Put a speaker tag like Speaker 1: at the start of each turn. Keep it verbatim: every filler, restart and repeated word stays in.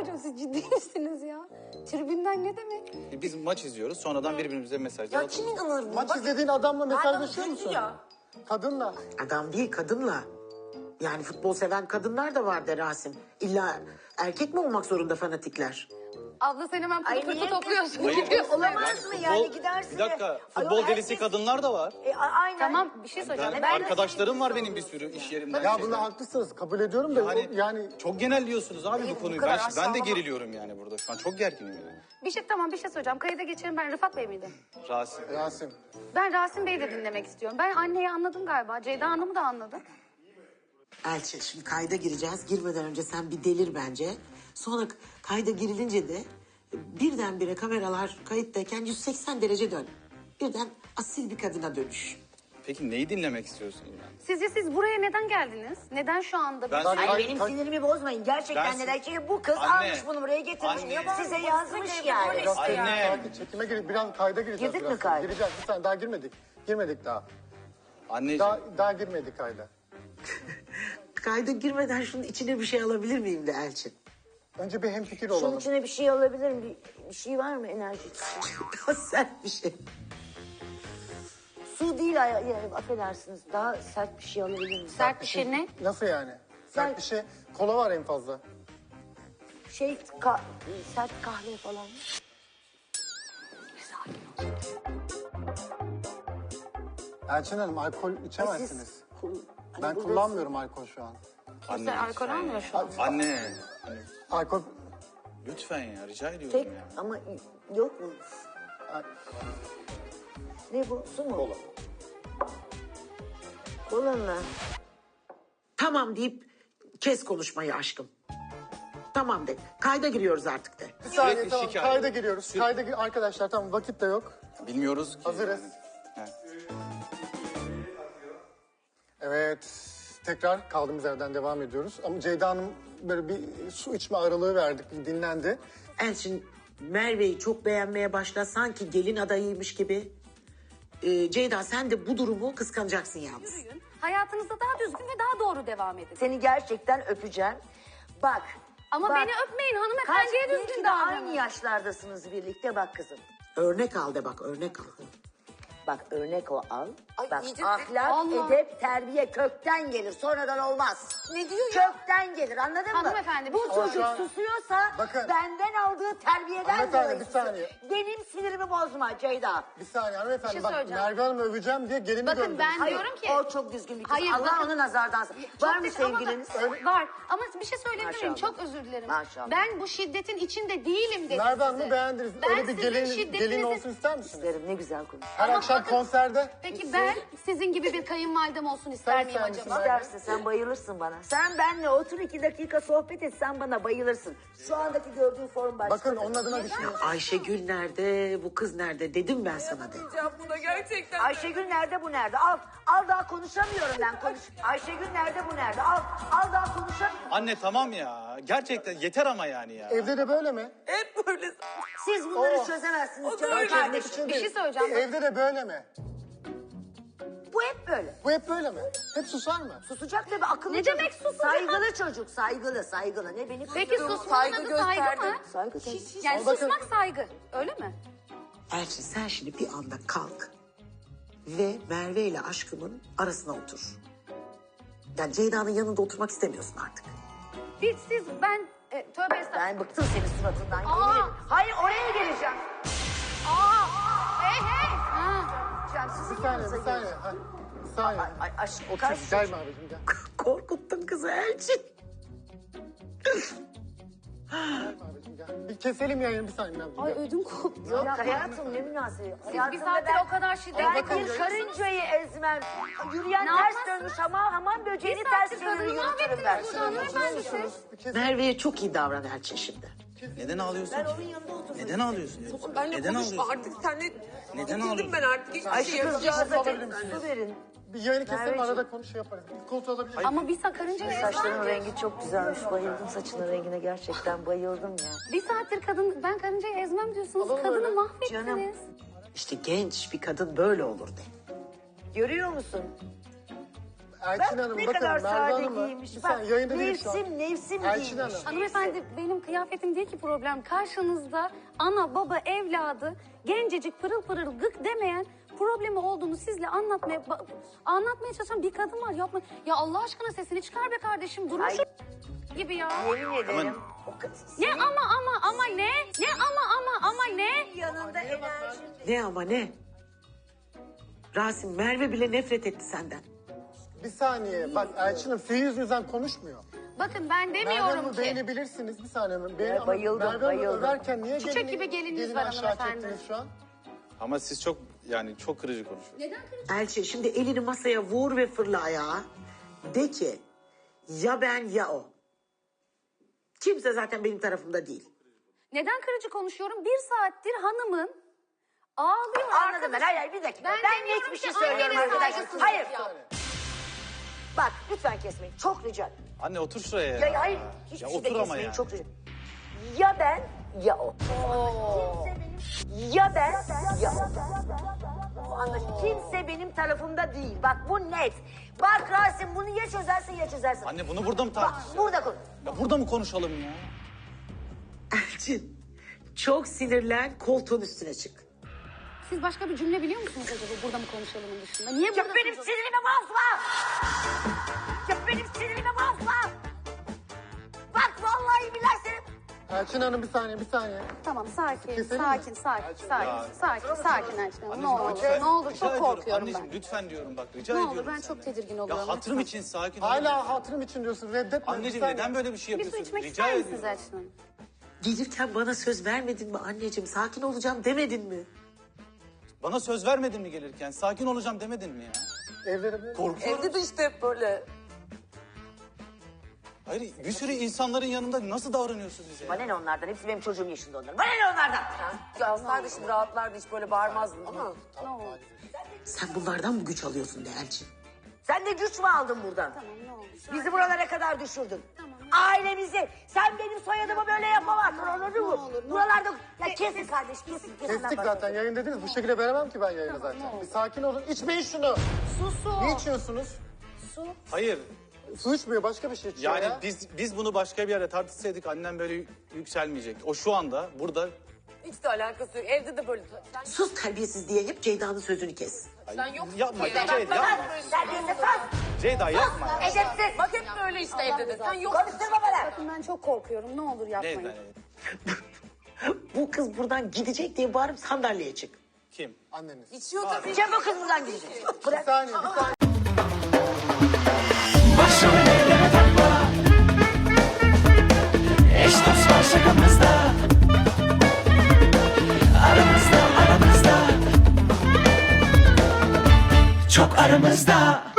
Speaker 1: hocam siz ciddi misiniz ya? Tribünden ne demek?
Speaker 2: E, Biz maç izliyoruz. Sonradan birbirimize mesajlar
Speaker 3: Ya
Speaker 2: atıyoruz.
Speaker 3: kim inanır buna?
Speaker 4: Maç
Speaker 3: Bak,
Speaker 4: izlediğin adamla mesajlaşıyor
Speaker 3: adam
Speaker 4: musun?
Speaker 3: ya.
Speaker 4: Kadınla.
Speaker 5: Adam değil, kadınla. Yani futbol seven kadınlar da var de Rasim. İlla erkek mi olmak zorunda fanatikler?
Speaker 1: Abla sen hemen
Speaker 3: Ay,
Speaker 1: pırı pırtı
Speaker 3: niye-
Speaker 1: topluyorsun.
Speaker 2: Hayır.
Speaker 3: Olamaz mı yani
Speaker 2: Futbol-
Speaker 3: gidersin
Speaker 2: Bir dakika.
Speaker 3: de-
Speaker 2: Futbol
Speaker 3: Ayol,
Speaker 2: delisi
Speaker 3: herkes-
Speaker 2: kadınlar da var.
Speaker 3: E, a- aynen.
Speaker 1: Tamam bir şey
Speaker 2: Ben,
Speaker 1: söyleyeceğim.
Speaker 3: ben-
Speaker 2: arkadaşlarım var benim bir sürü iş yerimden.
Speaker 4: Ya
Speaker 2: şeyden.
Speaker 4: bunda haklısınız. Kabul ediyorum da
Speaker 2: Yani,
Speaker 4: o- yani
Speaker 2: çok genelliyorsunuz abi
Speaker 3: Hayır,
Speaker 2: bu
Speaker 3: bu
Speaker 2: konuyu.
Speaker 3: kadar
Speaker 2: Ben, ben de
Speaker 3: aşağılama.
Speaker 2: geriliyorum yani burada. Şu an çok gerginim yani.
Speaker 1: Bir şey tamam bir şey söyleyeceğim. Kayıda geçelim, ben Rıfat Bey miydim?
Speaker 2: Rasim.
Speaker 4: Rasim.
Speaker 1: Ben Rasim Bey'i de dinlemek istiyorum. Ben anneyi anladım galiba. Ceyda Hanım'ı da anladım.
Speaker 5: Elçin, şimdi kayda gireceğiz. Girmeden önce sen bir delir bence. Sonra kayda girilince de birdenbire kameralar kayıttayken yüz seksen derece dön. Birden asil bir kadına dönüş.
Speaker 2: Peki neyi dinlemek istiyorsunuz yani?
Speaker 1: Sizce siz buraya neden geldiniz? Neden şu anda?
Speaker 2: Ben-
Speaker 3: Ay,
Speaker 4: Ay,
Speaker 3: benim
Speaker 4: ay-
Speaker 3: sinirimi bozmayın. Gerçekten
Speaker 2: Ben-
Speaker 3: neden? Çünkü bu kız
Speaker 2: Anne.
Speaker 3: almış bunu buraya getirmiş.
Speaker 2: Anne.
Speaker 3: Size yazmış yani.
Speaker 4: Biraz
Speaker 2: Anne.
Speaker 4: sakin, çekime gir, biraz kayda gireceğiz.
Speaker 3: Girdik mi
Speaker 4: biraz.
Speaker 3: kayda?
Speaker 4: Gireceğiz. Bir saniye daha girmedik. Girmedik daha.
Speaker 2: Anneciğim.
Speaker 4: Daha, daha girmedik kayda.
Speaker 5: Kayda girmeden şunun içine bir şey alabilir miyim de Elçin?
Speaker 4: Önce bir hemfikir
Speaker 3: Şunun
Speaker 4: olalım.
Speaker 3: içine bir şey alabilirim. Bir, bir şey var mı enerji?
Speaker 5: Daha sert bir şey.
Speaker 3: Su değil ay- ya, affedersiniz. Daha sert bir şey alabilir miyim?
Speaker 1: Sert bir şey ne?
Speaker 4: Nasıl yani? Sert
Speaker 3: Sen-
Speaker 4: bir şey. Kola var en fazla.
Speaker 3: Şey ka- sert kahve falan.
Speaker 4: Elçin Hanım alkol
Speaker 3: Siz
Speaker 4: içemezsiniz.
Speaker 3: kul- hani
Speaker 4: Ben
Speaker 3: burada-
Speaker 4: kullanmıyorum alkol şu an.
Speaker 2: Anne,
Speaker 1: Sen alkol
Speaker 2: lütfen
Speaker 1: almıyor
Speaker 2: ya.
Speaker 1: şu an.
Speaker 2: Anne. Anne,
Speaker 4: Alkol...
Speaker 2: lütfen ya rica ediyorum
Speaker 3: Tek
Speaker 2: ya.
Speaker 3: ama yok mu?
Speaker 4: Ay,
Speaker 3: Ne bu? Su mu? Kola. Kola mı?
Speaker 5: Tamam deyip kes konuşmayı aşkım. Tamam de. Kayda giriyoruz artık de.
Speaker 4: Bir saniye
Speaker 2: Sürekli
Speaker 4: tamam.
Speaker 2: şikayet.
Speaker 4: Kayda giriyoruz. Kayda gi- arkadaşlar tamam vakit de yok.
Speaker 2: Bilmiyoruz ki.
Speaker 4: Hazırız.
Speaker 2: Yani. He.
Speaker 4: Evet. Tekrar kaldığımız yerden devam ediyoruz. Ama Ceyda Hanım böyle bir su içme aralığı verdik. Bir dinlendi.
Speaker 5: Elçin Merve'yi çok beğenmeye başla. Sanki gelin adayıymış gibi. Ee, Ceyda sen de bu durumu kıskanacaksın yalnız.
Speaker 1: Yürüyün. Hayatınızda daha düzgün ve daha doğru devam edin.
Speaker 3: Seni gerçekten öpeceğim. Bak.
Speaker 1: Ama
Speaker 3: bak.
Speaker 1: beni öpmeyin
Speaker 3: Kaç
Speaker 1: hanımefendiye
Speaker 3: belki
Speaker 1: düzgün
Speaker 3: de aynı
Speaker 1: davranın.
Speaker 3: yaşlardasınız birlikte bak kızım.
Speaker 5: Örnek al de bak örnek al.
Speaker 3: Bak örnek o al.
Speaker 6: Ay,
Speaker 3: Bak
Speaker 6: iyice-
Speaker 3: ahlak,
Speaker 1: Allah.
Speaker 3: edep, terbiye kökten gelir. Sonradan olmaz.
Speaker 6: Ne diyor ya?
Speaker 3: Kökten gelir anladın mı?
Speaker 1: Hanımefendi, bir
Speaker 3: Bu
Speaker 1: şey
Speaker 3: çocuk
Speaker 4: söyleyeceğim.
Speaker 3: susuyorsa
Speaker 4: Bakın.
Speaker 3: benden aldığı terbiyeden
Speaker 4: Hanımefendi,
Speaker 3: dolayı
Speaker 4: bir saniye.
Speaker 3: susuyor. Benim sinirimi bozma Ceyda.
Speaker 4: Bir saniye hanımefendi
Speaker 1: Bir şey
Speaker 4: bak
Speaker 1: söyleyeceğim.
Speaker 4: Merve Hanım'ı öveceğim diye gelini
Speaker 1: Bakın
Speaker 4: gördüm.
Speaker 1: ben
Speaker 3: Hayır,
Speaker 1: diyorum ki...
Speaker 3: o çok düzgün bir kız.
Speaker 1: Hayır,
Speaker 3: Allah
Speaker 1: bakın-
Speaker 3: onu nazardan sakın.
Speaker 1: Çok
Speaker 3: Var mı
Speaker 1: düz- ama
Speaker 3: sevgiliniz?
Speaker 1: bakın, var. Ama bir şey söyleyebilir miyim?
Speaker 3: Maşallah.
Speaker 1: Çok özür dilerim.
Speaker 3: Maşallah.
Speaker 1: Ben bu şiddetin içinde değilim dedim
Speaker 4: Merve
Speaker 1: size.
Speaker 4: Hanım'ı beğendiniz.
Speaker 1: Ben
Speaker 4: Öyle bir
Speaker 1: sizin
Speaker 4: gelin,
Speaker 1: şiddetinizi-
Speaker 4: gelin olsun ister misiniz?
Speaker 3: İsterim ne güzel konuş.
Speaker 4: Her
Speaker 1: Ama
Speaker 4: akşam
Speaker 1: bakın-
Speaker 4: konserde.
Speaker 1: Peki ben sizin gibi bir kayınvalidem olsun ister
Speaker 4: Sen
Speaker 1: miyim
Speaker 4: sen misin?
Speaker 1: acaba?
Speaker 3: İstersin sen bayılırsın bana. Sen benle otur iki dakika sohbet et sen bana bayılırsın. Şu andaki gördüğün form başka.
Speaker 4: Bakın onun adına düşünüyorum.
Speaker 5: Ayşegül nerede bu kız nerede dedim ben sana de.
Speaker 6: Yapmayacağım buna gerçekten.
Speaker 3: Ayşegül nerede bu nerede? Al al daha konuşamıyorum ben konuş. Ayşegül nerede bu nerede? Al al daha konuşamıyorum.
Speaker 2: Anne tamam ya. Gerçekten yeter ama yani ya.
Speaker 4: Evde de böyle mi?
Speaker 6: Hep böyle.
Speaker 3: Siz bunları
Speaker 4: Oo.
Speaker 3: çözemezsiniz
Speaker 6: O da
Speaker 3: canım
Speaker 6: öyle.
Speaker 4: Çözmek
Speaker 3: kardeşim.
Speaker 4: için
Speaker 1: Bir
Speaker 4: değil.
Speaker 1: şey söyleyeceğim.
Speaker 4: Evde de böyle mi?
Speaker 3: Bu hep böyle.
Speaker 4: Bu hep böyle mi? Hep susar mı?
Speaker 3: Susacak tabii akıllı
Speaker 1: Ne
Speaker 3: çocuk.
Speaker 1: demek susacak?
Speaker 3: Saygılı çocuk saygılı saygılı. Ne beni
Speaker 1: Peki
Speaker 3: kızdırıyor?
Speaker 1: susmanın adı saygı
Speaker 6: gösterdim.
Speaker 1: mı?
Speaker 3: Saygı tabii.
Speaker 1: Yani
Speaker 4: Ama bakın-
Speaker 1: susmak saygı. Öyle mi?
Speaker 5: Elçin sen şimdi bir anda kalk ve Merve ile aşkımın arasına otur. Yani Ceyda'nın yanında oturmak istemiyorsun artık.
Speaker 1: Bir siz ben e, tövbe estağfurullah.
Speaker 3: Ben bıktım senin suratından.
Speaker 1: Aa!
Speaker 3: yemin ederim. Hayır oraya geleceğim.
Speaker 1: Aa! Hey hey! Ha.
Speaker 3: Geleceğim, sizin
Speaker 4: Bir saniye,
Speaker 3: yanınıza
Speaker 4: bir saniye.
Speaker 3: geleceğim.
Speaker 4: Ha, bir saniye.
Speaker 3: Ay, ay, aşk,
Speaker 4: Otur,
Speaker 3: kaç
Speaker 4: gelme abicim gel.
Speaker 5: Korkuttun kızı Elçin.
Speaker 4: Gelme abicim gel. Bir keselim yayını bir saniye abicim.
Speaker 1: Ay
Speaker 4: gel.
Speaker 1: ödüm koptu.
Speaker 3: Yok hayatım ne münasebet.
Speaker 1: Siz bir
Speaker 3: Hayatımda
Speaker 1: saattir
Speaker 3: ben-
Speaker 1: o kadar şiddet
Speaker 3: Ben
Speaker 4: bakın
Speaker 3: bir
Speaker 4: ya.
Speaker 3: karıncayı ezmem. Yürüyen
Speaker 1: Ne
Speaker 3: ters
Speaker 1: yapmazsınız?
Speaker 3: dönmüş ama hamam böceğini
Speaker 1: Bir
Speaker 3: ters
Speaker 1: saattir
Speaker 3: çevirir
Speaker 1: kadını
Speaker 3: yürütürüm ben.
Speaker 1: mahvettiniz burada hanımefendi siz.
Speaker 4: Bir kes-
Speaker 5: Merve'ye çok iyi davran Elçin şimdi.
Speaker 2: Neden ağlıyorsun
Speaker 3: Ben
Speaker 2: ki?
Speaker 3: onun yanında otururum.
Speaker 2: Neden ağlıyorsun?
Speaker 6: Benle
Speaker 2: Neden
Speaker 6: konuşma
Speaker 2: ağlıyorsun?
Speaker 6: artık senle.
Speaker 2: Neden
Speaker 6: Bitirdim
Speaker 2: ağlıyorsun?
Speaker 6: ben artık. Hiçbir
Speaker 3: Ay
Speaker 6: şey
Speaker 3: şu
Speaker 6: yapacağım.
Speaker 3: kızcağıza
Speaker 4: alabilir
Speaker 3: bir
Speaker 4: misiniz?
Speaker 3: su verin.
Speaker 4: Bir yayını keselim
Speaker 3: Merveciğim.
Speaker 4: arada konuş şey yaparız. Bir koltuğu alabilir miyim?
Speaker 1: Ama bir sakınca ne?
Speaker 3: Saçlarının rengi çok güzelmiş. Bayıldım saçının rengine gerçekten bayıldım ya.
Speaker 1: Bir saattir kadın ben karıncayı ezmem diyorsunuz.
Speaker 4: Alalım
Speaker 1: Kadını
Speaker 4: öyle.
Speaker 1: mahvettiniz.
Speaker 3: Canım.
Speaker 5: İşte genç bir kadın böyle olur de.
Speaker 3: Görüyor musun?
Speaker 4: Elçin
Speaker 3: Bak
Speaker 4: Hanım
Speaker 3: ne
Speaker 4: bakın
Speaker 3: kadar
Speaker 4: Merve
Speaker 3: sade
Speaker 4: Hanım'ı.
Speaker 3: giymiş.
Speaker 4: Bir
Speaker 3: Bak
Speaker 4: saniye yayında değil şu an.
Speaker 3: mevsim mevsim
Speaker 4: Elçin
Speaker 3: giymiş.
Speaker 4: Hanım.
Speaker 1: Hanımefendi benim kıyafetim değil ki problem. Karşınızda ana baba evladı gencecik pırıl pırıl gık demeyen problemi olduğunu sizle anlatmaya ba- anlatmaya çalışan bir kadın var. Yapma. Ya Allah aşkına sesini çıkar be kardeşim. Durun
Speaker 3: Ay.
Speaker 1: şu gibi ya.
Speaker 3: Yemin ederim. O ka-
Speaker 1: Ne ama ama ama ne? Ne ama ama ama ne?
Speaker 3: yanında enerji.
Speaker 5: Ne ama ne? Rasim, Merve bile nefret etti senden.
Speaker 4: Bir saniye bak Elçin Hanım suyu yüzünüzden konuşmuyor.
Speaker 1: Bakın ben
Speaker 4: Merve
Speaker 1: demiyorum
Speaker 4: Hanım'ı
Speaker 1: ki.
Speaker 4: beğenebilirsiniz bir saniye. Beğen,
Speaker 3: Ya,
Speaker 4: ama
Speaker 3: bayıldım,
Speaker 4: Merve Hanım'ı
Speaker 3: bayıldım.
Speaker 4: överken niye
Speaker 1: Çiçek
Speaker 4: gelini,
Speaker 1: gibi gelininiz
Speaker 4: gelini
Speaker 1: var
Speaker 4: aşağı
Speaker 1: hanımefendi.
Speaker 4: çektiniz şu an?
Speaker 2: Ama siz çok yani çok kırıcı konuşuyorsunuz.
Speaker 1: Neden kırıcı?
Speaker 5: Elçin şimdi elini masaya vur ve fırla ayağa. De ki ya ben ya o. Kimse zaten benim tarafımda değil.
Speaker 1: Neden kırıcı konuşuyorum? Bir saattir hanımın ağlıyor.
Speaker 3: Anladım ben.
Speaker 1: arkadaşım.
Speaker 3: Hayır hayır bir dakika.
Speaker 1: Ben
Speaker 3: Ben,
Speaker 1: demiyorum
Speaker 3: net bir
Speaker 1: ki
Speaker 3: şey söylüyorum
Speaker 1: annene
Speaker 3: arkadaşlar.
Speaker 1: saygısızlık
Speaker 3: Hayır.
Speaker 1: yap.
Speaker 3: Bak lütfen kesmeyin. Çok rica ederim.
Speaker 2: Anne otur şuraya ya.
Speaker 3: Ya, hayır hiçbir
Speaker 2: Ya
Speaker 3: şey de
Speaker 2: otur ama
Speaker 3: kesmeyin.
Speaker 2: yani.
Speaker 3: Çok rica Ya ben ya o. Kimse benim... Ya ben ya o. Anlaşıldı. Kimse benim tarafımda değil. Bak bu net. Bak Rasim bunu ya çözersin ya çözersin.
Speaker 2: Anne bunu burada mı
Speaker 3: Bak
Speaker 2: tartışacağız?
Speaker 3: burada konuş.
Speaker 2: Ya burada mı konuşalım ya?
Speaker 5: Elçin çok sinirlen, koltuğun üstüne çık.
Speaker 1: Siz başka bir cümle biliyor musunuz acaba burada mı konuşalımın dışında? Niye burada
Speaker 3: Ya benim
Speaker 1: konuşalım?
Speaker 3: sinirimi bozma. Ya benim sinirimi bozma. Bak vallahi billahi senin...
Speaker 4: Elçin Hanım bir saniye bir saniye.
Speaker 1: Tamam sakin,
Speaker 4: Keselim mi?
Speaker 1: sakin, sakin, sakin,
Speaker 2: Ya.
Speaker 1: sakin, sakin Elçin Hanım. Ne
Speaker 2: Anneciğim,
Speaker 1: olur,
Speaker 2: lütfen.
Speaker 1: ne olur
Speaker 2: Rica
Speaker 1: çok
Speaker 2: ediyorum.
Speaker 1: korkuyorum
Speaker 2: Anneciğim
Speaker 1: ben.
Speaker 2: lütfen diyorum bak rica
Speaker 1: Ne olur,
Speaker 2: ediyorum
Speaker 1: ben çok
Speaker 2: senden.
Speaker 1: tedirgin oluyorum,
Speaker 2: Ya hatırım
Speaker 1: lütfen.
Speaker 2: için sakin ol.
Speaker 4: Hala hatırım için diyorsun reddetme. bir
Speaker 2: Anneciğim
Speaker 4: saniye.
Speaker 2: neden böyle bir şey
Speaker 1: Bir su
Speaker 2: yapıyorsun?
Speaker 1: içmek
Speaker 2: Rica
Speaker 1: ister misiniz
Speaker 2: ediyorum.
Speaker 1: Elçin Hanım?
Speaker 5: Gelirken bana söz vermedin mi anneciğim? Sakin olacağım demedin mi?
Speaker 2: Bana söz vermedin mi gelirken? Sakin olacağım demedin mi ya?
Speaker 4: Evlere böyle.
Speaker 2: Korkuyorum.
Speaker 6: Evde de işte hep böyle.
Speaker 2: Hayır bir sürü insanların yanında nasıl davranıyorsunuz bize?
Speaker 3: Bana ne onlardan? Hepsi benim çocuğum yaşında onların. Bana ne onlardan?
Speaker 6: Ya kardeşim rahatlardı hiç böyle bağırmazdın değil mi?
Speaker 1: Ne olur,
Speaker 5: Sen bunlardan mı güç alıyorsun de Elçin?
Speaker 3: Sen de güç mü aldın buradan?
Speaker 1: tamam ne olur.
Speaker 3: Bizi buralara kadar düşürdün. Ailemizi. Sen benim soyadımı böyle yapamazsın. Anladın mı? Buralarda... Ya kesin kardeş kesin. kesin.
Speaker 4: Kestik zaten yayın dediniz. Bu şekilde veremem ki ben yayını zaten. Bir sakin olun. İçmeyin şunu.
Speaker 1: Su, su.
Speaker 4: Ne içiyorsunuz?
Speaker 1: Su.
Speaker 2: Hayır.
Speaker 4: Su içmiyor başka bir şey içiyor
Speaker 2: Yani
Speaker 4: ya.
Speaker 2: biz biz bunu başka bir yere tartışsaydık annem böyle yükselmeyecek. O şu anda burada.
Speaker 6: Hiç de alakası yok. Evde de böyle. Sen,
Speaker 5: Sus terbiyesiz diye hep Ceyda'nın sözünü kes.
Speaker 6: sen yoksun.
Speaker 2: Yapma
Speaker 6: Ceyda.
Speaker 2: Ceyda
Speaker 6: Bak,
Speaker 2: yapma.
Speaker 3: Sen değilsin sus.
Speaker 2: Ceyda yapma ya.
Speaker 3: Edepsiz.
Speaker 6: Bak hep böyle işte evde de. Sen yoksun.
Speaker 3: Konuşturma bana.
Speaker 1: Bakın ben çok korkuyorum. Ne olur yapmayın.
Speaker 2: Ceyda.
Speaker 5: Bu kız buradan gidecek diye bağırıp sandalyeye çık.
Speaker 2: Kim?
Speaker 4: Anneniz.
Speaker 6: İçiyor tabii.
Speaker 3: Çabuk kız buradan gidecek.
Speaker 4: Bir saniye bir saniye.
Speaker 7: Başım ellere takma. Eş dost var şakamızda. Aramızda aramızda. Çok aramızda.